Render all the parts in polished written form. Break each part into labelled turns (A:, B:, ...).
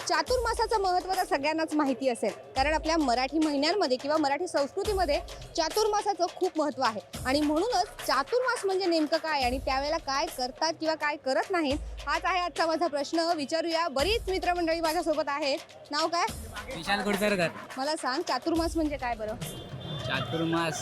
A: चातुर्मासाचं महत्त्व तर सगळ्यांनाच माहिती असेल, कारण आपल्या मराठी महिन्यांमध्ये किंवा मराठी संस्कृतीमध्ये चातुर्मासाचं खूप महत्त्व आहे. आणि म्हणूनच चातुर्मास म्हणजे नेमकं काय आणि त्यावेळेला काय करतात किंवा काय करत नाहीत, हाच आहे आजचा माझा प्रश्न. विचारूया. बरीच मित्रमंडळी माझ्यासोबत आहेत. नाव काय?
B: विशाल कुडतरकर.
A: मला सांग, चातुर्मास म्हणजे काय बरं?
B: चातुर्मास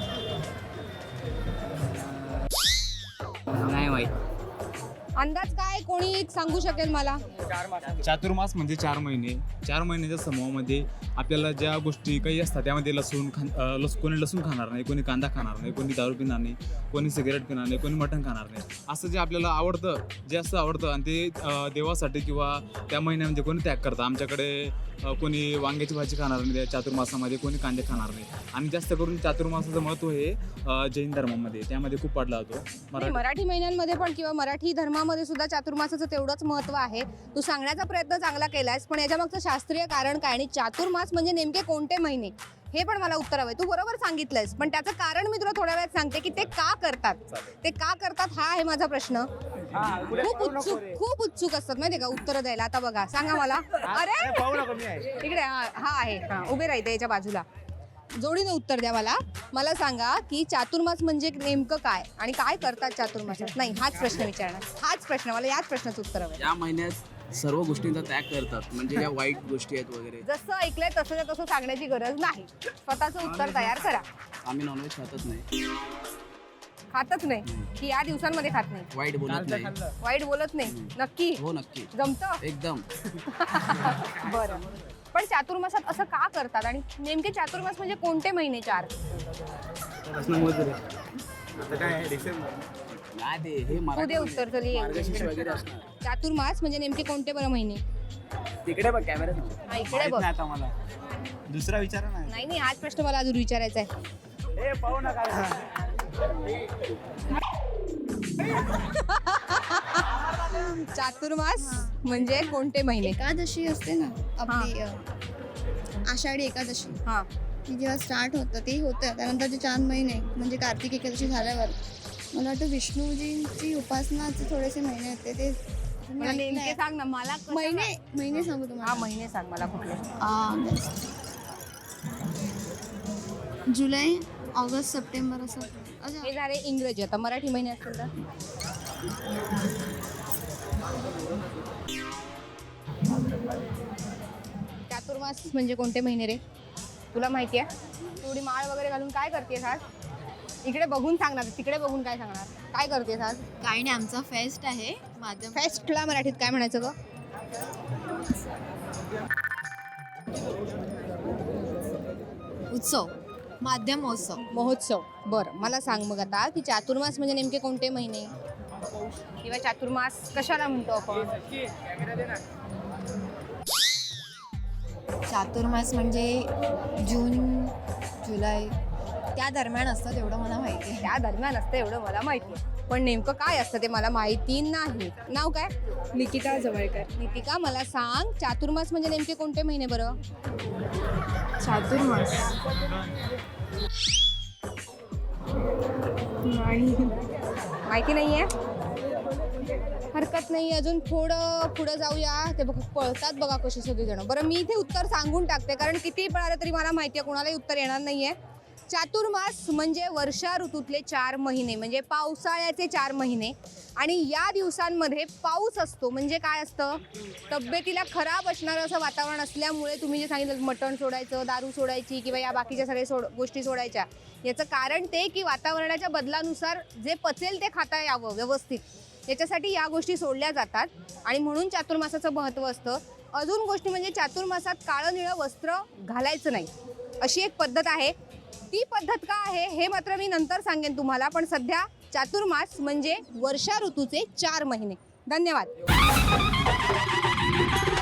B: नाही माहित.
A: अंदाज काय कोणी सांगू शकेल मला?
C: चातुर्मास म्हणजे 4 महिने. 4 महिन्याच्या समूहामध्ये आपल्याला ज्या गोष्टी काही असतात त्यामध्ये कोणी लसूण खाणार नाही, कोणी कांदा खाणार नाही, कोणी दारू पिणार नाही, कोणी सिगरेट पिणार नाही, कोणी मटण खाणार नाही. असं जे आपल्याला आवडतं, जे असं आवडतं आणि ते देवासाठी किंवा त्या महिन्यामध्ये कोणी त्याग करतं. आमच्याकडे कोणी वांग्याची भाजी खाणार नाही त्या चातुर्मासामध्ये, कोणी कांदे खाणार नाही. आणि जास्त करून चातुर्मासाचं महत्त्व हे जैन धर्मामध्ये त्यामध्ये खूप पडला होतो.
A: मराठी महिन्यांमध्ये पण किंवा मराठी धर्मामध्ये सुद्धा चातुर्मासाचं तेवढंच महत्त्व आहे. तू सांगण्याचा प्रयत्न चांगला केलायस, पण याच्यामागचं शास्त्रीय कारण काय आणि चातुर्मास म्हणजे नेमके कोणते महिने हे पण मला उत्तर हवंय. तू बरोबर सांगितलंयस, पण त्याचं कारण मी तुला थोड्या वेळात सांगते की ते का करतात. ते का करतात हा आहे माझा प्रश्न. खूप उत्सुक असतात माहिती का उत्तर द्यायला. आता बघा, सांगा मला. अरे इकडे हा आहे, उभे राहते याच्या बाजूला. जोडीने उत्तर द्या मला. मला सांगा की चातुर्मास म्हणजे नेमकं काय आणि काय करतात चातुर्मासात. नाही, हाच प्रश्न विचारणार, हाच प्रश्न. मला याच प्रश्नाचं उत्तर हवं.
D: या महिन्यात सर्व गोष्टींचा त्याग करतात, म्हणजे ज्या वाईट गोष्टी आहेत वगैरे.
A: जसं ऐकलंय तसं सांगण्याची गरज नाही. स्वतःचं उत्तर तयार करा.
D: आम्ही नॉनव्हेज खातच नाही.
A: खातच नाही की या दिवसांमध्ये खात नाही?
D: वाईट बोलत नाही.
A: वाईट बोलत नाही? नक्की?
D: हो, नक्की.
A: जमतं
D: एकदम.
A: बरं. पण चातुर्मासात असं का करतात आणि नेमके चातुर्मास म्हणजे कोणते महिने? 4 तू दे उत्तर तरी.
D: वगैरे असणार.
A: चातुर्मास म्हणजे नेमके कोणते बरं महिने?
D: तिकडे बघ कॅमेरा.
A: हा, इकडे बघ.
C: आता मला दुसरा विचार
A: नाही, हाच प्रश्न मला अजून विचारायचा आहे. चातुर्मास म्हणजे कोणते महिने?
E: एकादशी असते ना आपली, आषाढी एकादशी.
A: हा,
E: ती जेव्हा स्टार्ट होतं ते होतं. त्यानंतर ते 4 महिने म्हणजे कार्तिक एकादशी झाल्यावर मला वाटतं विष्णूजींची उपासनाचे थोडेसे महिने होते. ते
A: मला नेमके सांग ना मला.
E: महिने सांगू
A: हा,
E: तुम्हाला.
A: महिने सांग मला कुठले.
E: जुलै, ऑगस्ट, सप्टेंबर असं.
A: हे झाले इंग्रजी. आता मराठी महिने असतील तर चातुर्मास म्हणजे कोणते महिने रे? तुला माहिती आहे? थोडी माळ वगैरे घालून काय करतेस आज? इकडे बघून सांगणार, तिकडे बघून काय सांगणार? काय करतेस आज?
E: काही नाही, आमचा फेस्ट आहे. माध्यम
A: फेस्टला मराठीत काय म्हणायचं ग?
E: उत्सव, माध्यम महोत्सव.
A: महोत्सव. बरं, मला सांग मग आता की चातुर्मास म्हणजे नेमके कोणते महिने किंवा चातुर्मास कशाला म्हणतो आपण?
E: चातुर्मास म्हणजे जून, जुलै त्या दरम्यान असतं, तेवढं मला माहिती आहे.
A: त्या दरम्यान असतं एवढं मला माहिती आहे, पण नेमकं काय असतं ते मला माहिती नाही. नाव काय?
E: निकिता जवळकर.
A: नितिका, मला सांग चातुर्मास म्हणजे नेमके कोणते महिने बरं?
E: चातुर्मास
A: माहिती नाही आहे? हरकत नाही, अजून थोडं पुढं जाऊया. ते बघ पळतात बघा कशी सगळीजण. बरं, मी इथे उत्तर सांगून टाकते, कारण कितीही पळालं तरी मला माहिती आहे कोणालाही उत्तर येणार नाही आहे. चातुर्मास म्हणजे वर्षा ऋतूतले 4 महिने, म्हणजे पावसाळ्याचे 4 महिने. आणि या दिवसांमध्ये पाऊस असतो. म्हणजे काय असतं, तब्येतीला खराब असणारं असं वातावरण असल्यामुळे तुम्ही जे सांगितलं मटण सोडायचं, दारू सोडायची किंवा या बाकीच्या सगळ्या गोष्टी सोडायच्या, याचं कारण ते की वातावरणाच्या बदलानुसार जे पचेल ते खाता यावं व्यवस्थित, याच्यासाठी या गोष्टी सोडल्या जातात. आणि म्हणून चातुर्मासाचं महत्त्व असतं. अजून गोष्टी म्हणजे चातुर्मासात काळं निळं वस्त्र घालायचं नाही, अशी एक पद्धत आहे. ती पद्धत का आहे हे मात्र मी नंतर सांगेन तुम्हाला. पण सध्या चातुर्मास म्हणजे वर्षा ऋतूचे 4 महिने. धन्यवाद.